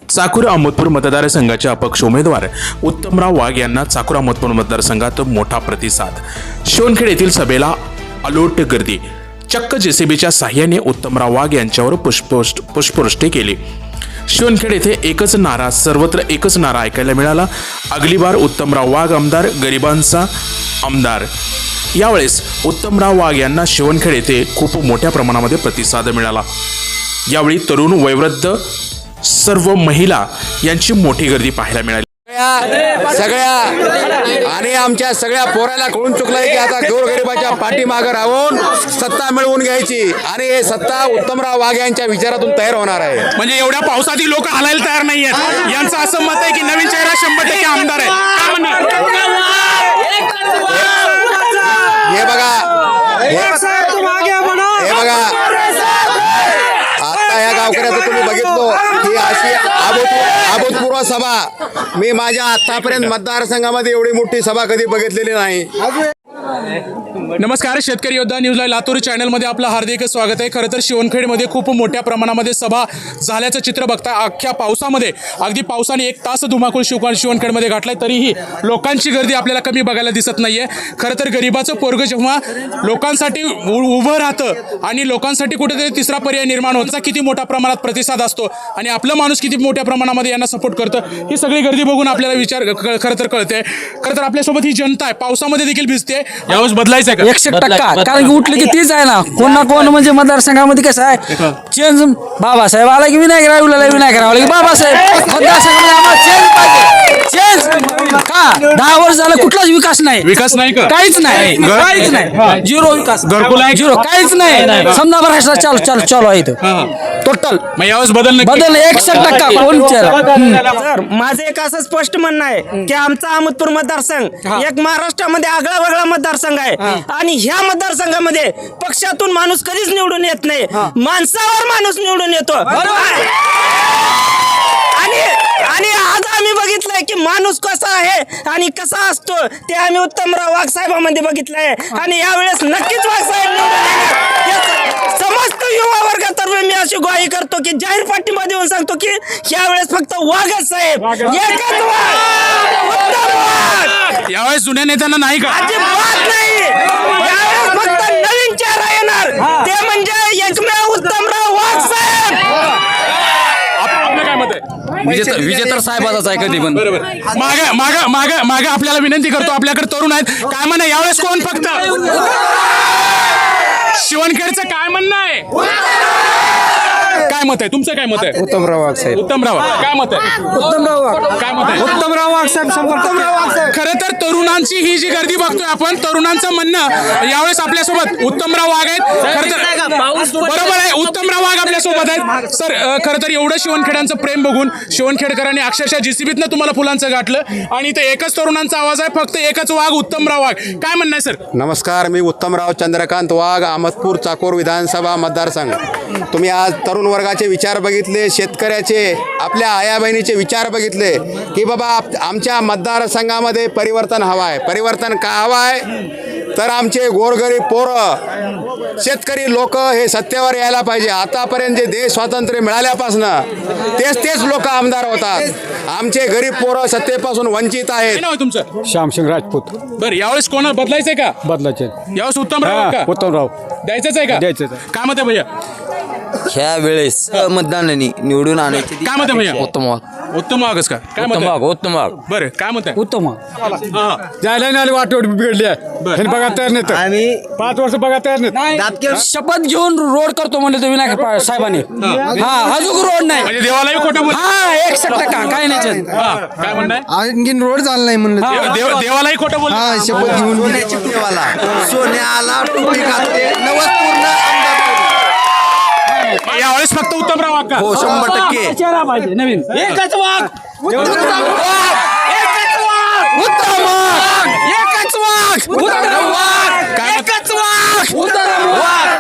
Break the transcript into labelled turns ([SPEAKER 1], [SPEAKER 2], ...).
[SPEAKER 1] चाकूर अहमदपूर मतदारसंघाचे अपक्ष उमेदवार उत्तमराव वाघ यांना चाकूर अहमदपूर मतदारसंघात मोठा प्रतिसाद। शिवणखेड येथील सभेला अलोट गर्दी। चक्क जेसीबीच्या साह्याने उत्तमराव वाघ यांच्यावर पुष्पवृष्टी केली। शिवणखेड येथे एकच नारा, सर्वत्र एकच नारा ऐकायला मिळाला, अगली बार उत्तमराव वाघ आमदार, गरिबांचा आमदार। यावेळेस उत्तमराव वाघ यांना शिवणखेड येथे खूप मोठ्या प्रमाणामध्ये प्रतिसाद मिळाला। यावेळी तरुण, वयोवृद्ध, सर्व महिला यांची मोठी गर्दी पाहायला मिळाली।
[SPEAKER 2] सगळ्या आणि आमच्या सगळ्या पोराला कळून चुकलंय की आता गोरगरिबाच्या पाठीमागे राहून सत्ता मिळवून घ्यायची आणि हे सत्ता उत्तमराव वाघ यांच्या विचारातून तयार होणार आहे।
[SPEAKER 1] म्हणजे एवढ्या पावसातील लोक हलायला तयार नाहीयेत, यांचं असं मत आहे की नवीन चेहरा 100% आमदार आहे। काय म्हणणार?
[SPEAKER 2] हे बघा, हे बघा, आता या गावकऱ्याचं तुम्ही बघितलो की अशी अभूतपूर्व सभा मी माझ्या आतापर्यंत मतदारसंघामध्ये एवढी मोठी सभा कधी बघितलेली नाही।
[SPEAKER 1] नमस्कार, शेतकरी योद्धा न्यूजला लातूर चॅनलमध्ये आपलं हार्दिक स्वागत आहे। खरं तर शिवणखेडमध्ये खूप मोठ्या प्रमाणामध्ये सभा झाल्याचं चित्र बघता। अख्ख्या पावसामध्ये, अगदी पावसाने 1 तास धुमाकूळ शिवणखेडमध्ये घातलाय, तरीही लोकांची गर्दी आपल्याला कमी बघायला दिसत नाहीये। खरं तर गरिबाचं पोरगं जेव्हा लोकांसाठी उभं राहतं आणि लोकांसाठी कुठेतरी तिसरा पर्याय निर्माण होता, किती मोठ्या प्रमाणात प्रतिसाद असतो आणि आपलं माणूस किती मोठ्या प्रमाणामध्ये यांना सपोर्ट करतं, ही सगळी गर्दी बघून आपल्याला विचार खरं तर कळते। खरं तर आपल्यासोबत ही जनता आहे, पावसामध्ये देखील भिजते। यावेळेस बदलायचं आहे
[SPEAKER 3] 100%, कारण की उठलं की तीच आहे ना, कोण ना कोण म्हणजे मतदारसंघामध्ये कसं आहे, चेंज बाबासाहेब आला की विनायकराव, विनायकराव आला की बाबासाहेब। मतदारसंघामध्ये आम्हाला चेंज पाहिजे, चेंज का 10 वर्ष झालं कुठलाच विकास नाही
[SPEAKER 1] का?
[SPEAKER 3] काहीच नाही, काहीच नाही, झिरो विकास,
[SPEAKER 1] घरकुल आहे,
[SPEAKER 3] झिरो, काहीच नाही। समजा भ्रष्टाचार चालू आहे इथं टोटल।
[SPEAKER 1] मग यावेळेस बदल
[SPEAKER 3] 100% कोण
[SPEAKER 4] सर, माझं एक असं स्पष्ट म्हणणं आहे की आमचा अहमदपूर मतदारसंघ एक महाराष्ट्रामध्ये आगळा वेगळा मतदारसंघ आहे आणि ह्या मतदारसंघामध्ये पक्षातून माणूस कधीच निवडून येत नाही, माणसावर माणूस निवडून येतो। आणि आज आम्ही बघितलंय की माणूस कसा आहे आणि कसा असतो ते आम्ही उत्तमराव वाघ साहेबांमध्ये बघितलंय आणि यावेळेस नक्कीच वाघ साहेब निवडून येणार। समस्त युवा वर्गातर्फे मी अशी ग्वाही करतो की जाहीर पाठिंबा देऊन सांगतो की यावेळेस फक्त वाघच साहेब, एकच वाघ, उत्तम वाघ।
[SPEAKER 1] यावेळेस जुन्या नेत्यांना नाही का?
[SPEAKER 4] अजिबात नाही, यावेळेस फक्त नवीन चेहरा येणार, ते म्हणजे एकमेव उत्तमराव वाघ साहेब।
[SPEAKER 1] आपलं काय मत आहे?
[SPEAKER 3] विजेतर साहेबाचाच आहे कधी पण।
[SPEAKER 1] मागे आपल्याला विनंती करतो, आपल्याकडे तरुण आहेत, काय म्हणणं यावेळेस कोण फक्त? शिवणखेडचं काय म्हणणं आहे? काय मत आहे तुमचं? काय मत आहे?
[SPEAKER 3] उत्तमराव वाघ साहेब,
[SPEAKER 1] उत्तमराव काय मत आहे?
[SPEAKER 3] उत्तमराव वाघ,
[SPEAKER 1] काय मत आहे?
[SPEAKER 3] उत्तमराव वाघ साहेब।
[SPEAKER 1] खरं तर तरुणांची ही जी गर्दी बघतोय आपण, तरुणांचं म्हणणं यावेळेस आपल्यासोबत उत्तमराव वाघ आहेत। खरं तर बरोबर आहे, उत्तमराव वाघ आपल्यासोबत आहेत। सर, खरं तर एवढं शिवणखेड्यांचं प्रेम बघून शिवणखेडकरांनी अक्षरशः जीसीबीतनं तुम्हाला फुलांचं गाठलं आणि इथे एकच तरुणांचा आवाज आहे, फक्त एकच वाघ, उत्तमराव वाघ। काय म्हणणं आहे सर?
[SPEAKER 2] नमस्कार, मी उत्तमराव चंद्रकांत वाघ, अहमदपूर चाकूर विधानसभा मतदारसंघ। तुम्ही आज तरुण वर्गाचे विचार बघितले, शेतकऱ्याचे, आपल्या आया बहिणीचे विचार बघितले की बाबा आमच्या मतदारसंघामध्ये परिवर्तन हवं आहे। परिवर्तन का हवं आहे तर आमचे गोरगरीब पोरं, शेतकरी लोक हे सत्तेवर यायला पाहिजे। आतापर्यंत जे देश स्वातंत्र्य मिळाल्यापासून तेच लोक आमदार होतात, आमचे गरीब पोरं सत्तेपासून वंचित आहेत।
[SPEAKER 1] काय नाव आहे तुमचं?
[SPEAKER 5] श्यामसिंग राजपूत।
[SPEAKER 1] बरं, यावेळेस कोणा बदलायचंय का?
[SPEAKER 5] बदलाचे
[SPEAKER 1] यावेळेस उत्तमराव का?
[SPEAKER 5] उत्तमराव
[SPEAKER 1] द्यायचंच आहे का?
[SPEAKER 5] द्यायचंच आहे।
[SPEAKER 1] काय मत आहे भैया?
[SPEAKER 6] ह्या वेळेस मतदानाने निवडून आणायची
[SPEAKER 1] काय मत आहे भैया?
[SPEAKER 6] उत्तम वाघ,
[SPEAKER 1] उत्तम वाघच का? काय मत
[SPEAKER 6] उत्तम
[SPEAKER 1] आहे?
[SPEAKER 6] वाघ, उत्तम वाघ।
[SPEAKER 1] बरं, काय मत आहे?
[SPEAKER 3] उत्तम
[SPEAKER 1] हा.
[SPEAKER 5] जायला नाही वाटवट बिघडली आहे, ह्यांनी बघा तयार नाही,
[SPEAKER 6] आम्ही
[SPEAKER 5] 5 वर्ष बघा तयार नाही।
[SPEAKER 3] शपथ घेऊन रोड करतो म्हणले तर विनायक साहेबांनी, हा अजून रोड नाही,
[SPEAKER 1] म्हणजे देवालाही खोटं बोल.
[SPEAKER 3] हा 100% काय नाही।
[SPEAKER 1] हा, काय म्हणणं
[SPEAKER 7] आणखीन रोड झाला नाही म्हणलं
[SPEAKER 1] देवालाही खोटं बोल.
[SPEAKER 7] हा शपथ घेऊन
[SPEAKER 6] देवाला सोन्याला टोपी घातले, नवस पूर्ण आमदार पूर्ण।
[SPEAKER 1] यावेळेस फक्त उत्तमराव वाघ का?
[SPEAKER 6] हो 100%।
[SPEAKER 3] चेहरा पाहिजे नवीन,
[SPEAKER 4] एकच वाघ,
[SPEAKER 3] उत्तम वाघ, एकच वाघ, उत्तम वाघ,
[SPEAKER 1] काय मत?